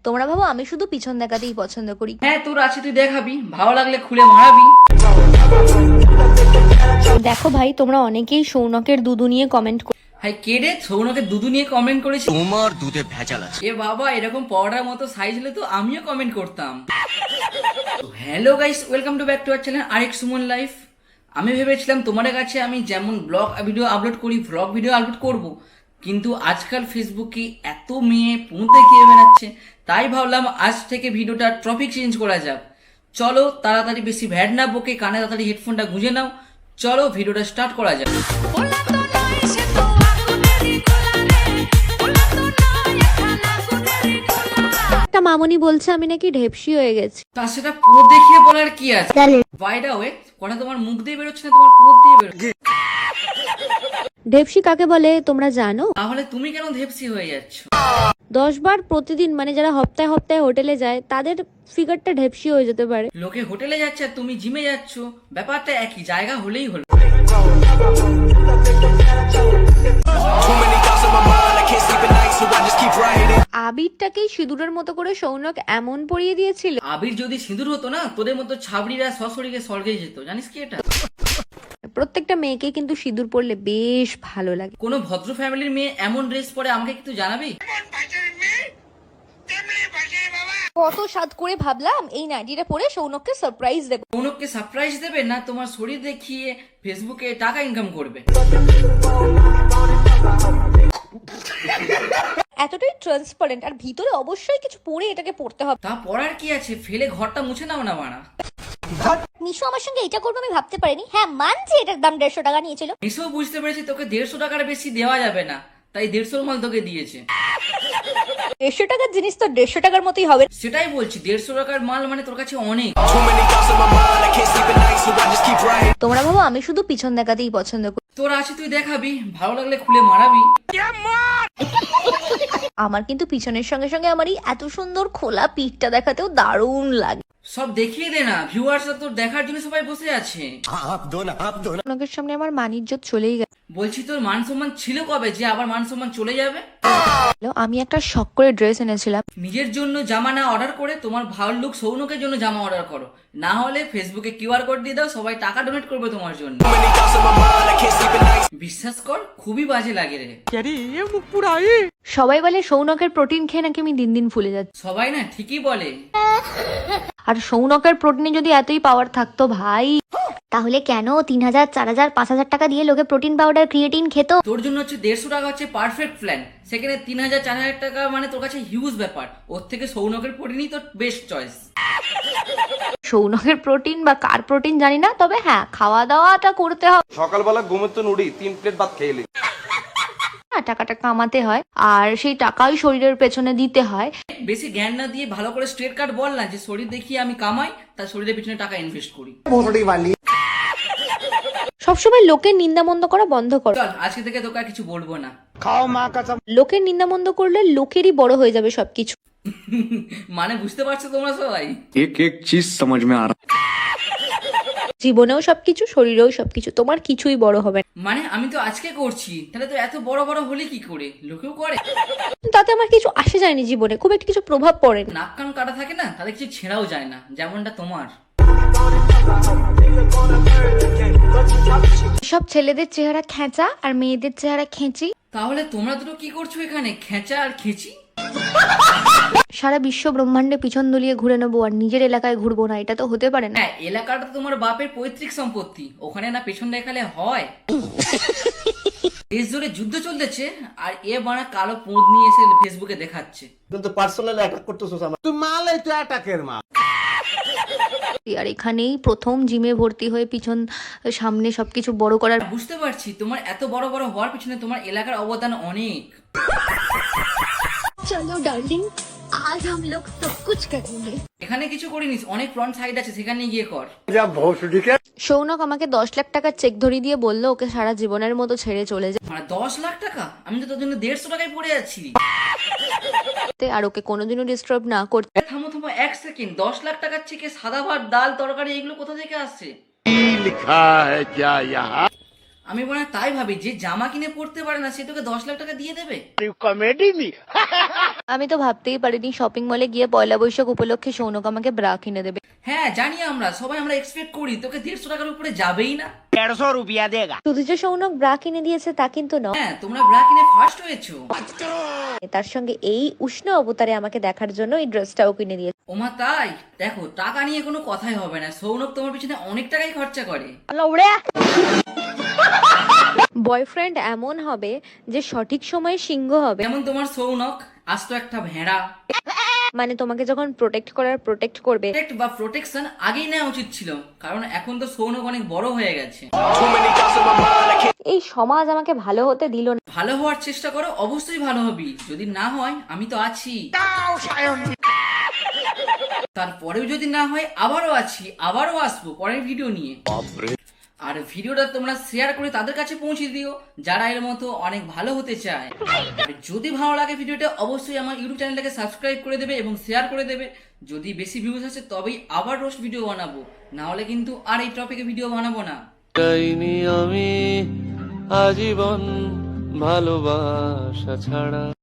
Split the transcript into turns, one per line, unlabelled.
তোমরা ভাবো আমি শুধু পিছন দেখাতেই পছন্দ করি।
হ্যাঁ তোর আছে, তুই দেখাবি, ভালো লাগলে খুলে মারাবি।
দেখো ভাই, তোমরা অনেকেই সৌনকের দুদু নিয়ে কমেন্ট
হাই কে রে? সৌনকের দুধু নিয়ে কমেন্ট করেছি?
তোমার দুধে ভেজাল আছে।
এ বাবা, এরকম পাউডার মতো সাইজ হলে তো আমিও কমেন্ট করতাম। Hello guys, welcome to back to our channel আরেক সুমন লাইফ। আমি ভেবেছিলাম তোমাদের কাছে আমি যেমন ব্লগ ভিডিও আপলোড করি, ভ্লগ ভিডিও আপলোড করব, কিন্তু আজকাল ফেসবুকে এত মেয়ে পুঁতে খেয়ে বেড়াচ্ছে, তাই ভাবলাম আজ থেকে ভিডিওটা টপিক চেঞ্জ করা যাক। চলো তাড়াতাড়ি, বেশি ভ্যাড না বকে কানে তাড়াতাড়ি হেডফোনটা গুঁজে নাও, চলো ভিডিওটা স্টার্ট করা যাক।
একটা মামনি বলছে আমি নাকি ঢেপসি হয়ে গেছি।
তা সেটা পুঁত দেখিয়ে বলার কি আছে? বাই দা ওয়ে, কথা তোমার মুখ দিয়ে বেরোচ্ছে না, তোমার পুঁত দিয়ে বেরোচ্ছে।
ঢেপসি কাকে বলে তোমরা জানো?
তাহলে তুমি কেন ধেপসি হয়ে যাচ্ছ?
10 বার প্রতিদিন, মানে যারা হপ্তাহে হপ্তাহে হোটেলে যায় তাদের ফিগারটা ঢেপসি হয়ে যেতে পারে।
লোকে হোটেলে যাচ্ছে আর তুমি জিমে যাচ্ছ, ব্যাপারটা একই, জায়গা হলেই হলো।
আবিরটাকেই সিঁদুরের মতো করে সৌনক এমন পরিয়ে দিয়েছিল।
আবির যদি সিঁদুর হতো না, তোদের মতো ছাবড়িরা সশরীরে স্বর্গে যেত, জানিস কি এটা?
প্রত্যেকটা মেয়েকে কিন্তু সিঁদুর পরলে বেশ ভালো লাগে।
কোনো ভদ্র ফ্যামিলির মেয়ে এমন ড্রেস পরে আমাকে কিন্তু জানাবি।
কত স্বাদ করে ভাবলাম এই নাইটিটা পরে সৌনককে সারপ্রাইজ দেব।
সৌনককে সারপ্রাইজ দেবে না তোমার শরীর দেখিয়ে ফেসবুকে টাকা ইনকাম করবে।
এতটাই ট্রান্সপারেন্ট, আর ভিতরে অবশ্যই কিছু পরে এটাকে পড়তে হবে।
তা পড়ার কি আছে, ফেলে ঘরটা মুছে নাও না মানা।
মিশু আমার সঙ্গে এটা করবে আমি ভাবতে পারিনি। হ্যাঁ মানছি, এটার দাম 150 টাকা নিয়েছিল।
এসব বুঝতে পেরেছি তোকে 150 টাকার বেশি দেওয়া যাবে না, তাই 150 মাল তোকে দিয়েছে।
150 টাকার জিনিস তো 150 টাকার মতোই হবে।
সেটাই বলছি, 150 টাকার মাল মানে তোর কাছে অনেক।
তোমরা ভাবো আমি শুধু পিছন দেখাতেই পছন্দ করি।
তোর আছে, তুই দেখাবি, ভালো লাগলে খুলে মারাবি।
আমার কিন্তু পিছনের সঙ্গে সঙ্গে আমার এই এত সুন্দর খোলা পিঠটা দেখাতেও দারুণ লাগে।
সব দেখিয়ে দে না, ভিউয়ার্সরা তোর দেখার জন্য সবাই বসে আছে।
লোকের সামনে আমার মান ইজ্জত চলেই গেল।
বলছি তোর মান সম্মান ছিল কবে যে আবার মান সম্মান চলে যাবে?
আমি একটা শখ করে ড্রেস এনেছিলাম।
নিজের জন্য জামা না অর্ডার করে তোমার ভালো লুক সৌনকের জন্য জামা অর্ডার করো, না হলে ফেসবুকে কিউআর কোড দিয়ে দাও, সবাই টাকা ডোনেট করবে তোমার জন্য। বিশ্বাস কর, খুবই বাজে লাগে রে।
সবাই বলে সৌনকের প্রোটিন খেয়ে নাকি আমি দিন দিন ফুলে যাচ্ছি।
সবাই না ঠিকই বলে।
আর সৌনকের প্রোটিনে যদি এতই পাওয়ার থাকতো ভাই, তাহলে কেন 3000, 4000, 5000 টাকা দিয়ে লোকে প্রোটিন পাউডার ক্রিয়েটিন খেত?
তোর জন্য হচ্ছে 150 টাকা হচ্ছে পারফেক্ট প্ল্যান, সেখানে 3000 4000 টাকা মানে তোর কাছে হিউজ ব্যাপার। ওর থেকে সৌনকের প্রোটিনই তোর বেস্ট চয়েস।
সৌনকের প্রোটিন বা কার প্রোটিন জানি না, তবে হ্যাঁ খাওয়া দাওয়াটা করতে হবে।
সকালবেলা ঘুমের তো নুড়ি 3 প্লেট ভাত খেয়ে নিই।
টাকাটা কামাতে হয়, আর সেই টাকাই শরীরের পেছনে দিতে হয়।
বেশি জ্ঞান না দিয়ে ভালো করে স্ট্রেট কাট বল না, যে শরীর দেখিয়ে আমি কামাই, তার শরীরের পিছনে টাকা ইনভেস্ট করি।
সবসময় লোকের নিন্দামন্দ করা বন্ধ করো।
চল আজকে থেকে তোকে আর কিছু বলবো না।
লোকের নিন্দামন্দ করলে লোকেরই বড় হয়ে যাবে সবকিছু।
মানে বুঝতে পারছো তোমরা সবাই?
एक एक चीज समझ में आ रहा।
জীবনেও সবকিছু, শরীরেও সবকিছু, তোমার কিছুই বড় হবে না।
মানে আমি তো আজকে করছি, তাহলে তো এত বড় বড় হলে কি করে? লোকেও করে।
তাতে আমার কিছু আসে যায়নি, জীবনে খুব একটা কিছু প্রভাব পড়েনি।
নাক কান কাটা থাকে না, তাদের কিছু ছেঁড়াও যায় না, যেমনটা তোমার।
সব ছেলেদের চেহারা খেঁচা আর মেয়েদের চেহারা খেঁচি।
তাহলে তোমরা দুটো কি করছো এখানে, খেঁচা আর খেঁচি?
সারা বিশ্ব ব্রহ্মাণ্ডে পিছন দুলিয়ে ঘুরে নেবো আর নিজের এলাকায় ঘুরবো না, এটা তো হতে পারে না।
হ্যাঁ, এলাকাটা তো তোমার বাপের পৈতৃক সম্পত্তি, ওখানে না পেছন দেখালে হয়? দেশ জুড়ে যুদ্ধ চলতেছে আর এ বানা কালো পোঁদ নিয়ে এসে ফেসবুকে দেখাচ্ছে।
কিন্তু পার্সোনালি অ্যাটাক করতেছস আমার। তুই মালাই তুই অ্যাটাকের মা।
আর এখানেই প্রথম জিমে ভর্তি হয়ে পিছন সামনে সবকিছু বড় করার।
বুঝতে পারছি তোমার এত বড় বড় হওয়ার পিছনে তোমার এলাকার অবদান অনেক।
চলো ডার্লিং, আজ हम लोग सब कुछ करेंगे।
এখানে কিছু করিনিস, অনেক ফ্রন্ট সাইড আছে, সেখানে গিয়ে কর।
সৌনক আমাকে 10 লাখ টাকার চেক ধরিয়ে দিয়ে বললো ওকে সারা জীবনের মতো ছেড়ে চলে
মানে 10 লাখ টাকা? আমি তো তোর জন্য 150 টাকায় পড়ে যাচ্ছি।
যেতে আর ওকে কোনোদিনও ডিস্টার্ব না করতে।
থামো থামো এক সেকেন্ড, 10 লাখ টাকার চেকে সাদা ভাত ডাল তরকারি এগুলো কোথা থেকে আসছে? আমি মনে হয় তাই ভাবি, যে জামা কিনে পড়তে পারে না সে তোকে 10 লাখ টাকা দিয়ে দেবে।
আমি তো ভাবতেই পারিনি শপিং মলে গিয়ে পয়লা বৈশাখ উপলক্ষে সৌনক আমাকে ব্রা কিনে দেবে।
হ্যাঁ জানি, আমরা সবাই আমরা এক্সপেক্ট করি তোকে 150 টাকার উপরে যাবেই না।
শুধু যে সৌনক ব্রা কিনে দিয়েছে তা কিন্তু নয়,
হ্যাঁ তোমরা ব্রা কিনে ফার্স্ট হয়েছো।
তার সঙ্গে এই উষ্ণ অবতারে আমাকে দেখার জন্য এই ড্রেসটাও কিনে দিয়েছে।
ওমা তাই? দেখো টাকা নিয়ে কোনো কথাই হবে না, সৌনক তোমার পিছনে অনেক টাকাই খরচা করে।
বয়ফ্রেন্ড এমন হবে যে সঠিক সময়ে সিংহ হবে,
যেমন তোমার সৌনক আজ তো একটা ভেড়া।
মানে তোমাকে যখন প্রোটেক্ট করার প্রোটেক্ট করবে।
প্রোটেক্ট বা প্রোটেকশন আগেই নেওয়া উচিত ছিল, কারণ এখন তো সৌনক অনেক বড় হয়ে গেছে।
এই সমাজ আমাকে ভালো হতে দিল না।
ভালো হওয়ার চেষ্টা করো, অবশ্যই ভালো হবি। যদি না হয় আমি তো আছি, তারপরেও যদি না হয় আবারও আছি, আবারও আসবো পরের ভিডিও নিয়ে। আর ভিডিওটা তোমরা শেয়ার করে তাদের কাছে পৌঁছে দিও যারা এর মতো অনেক ভালো হতে চায়। আর যদি ভালো লাগে ভিডিওটা অবশ্যই আমার ইউটিউব চ্যানেলটাকে সাবস্ক্রাইব করে দেবে এবং শেয়ার করে দেবে। যদি বেশি ভিউজ আসে তবেই আবার রোস্ট ভিডিও বানাবো, না হলে কিন্তু আর এই টপিকে ভিডিও বানাবো না।
আমি আজীবন ভালোবাসা ছাড়া।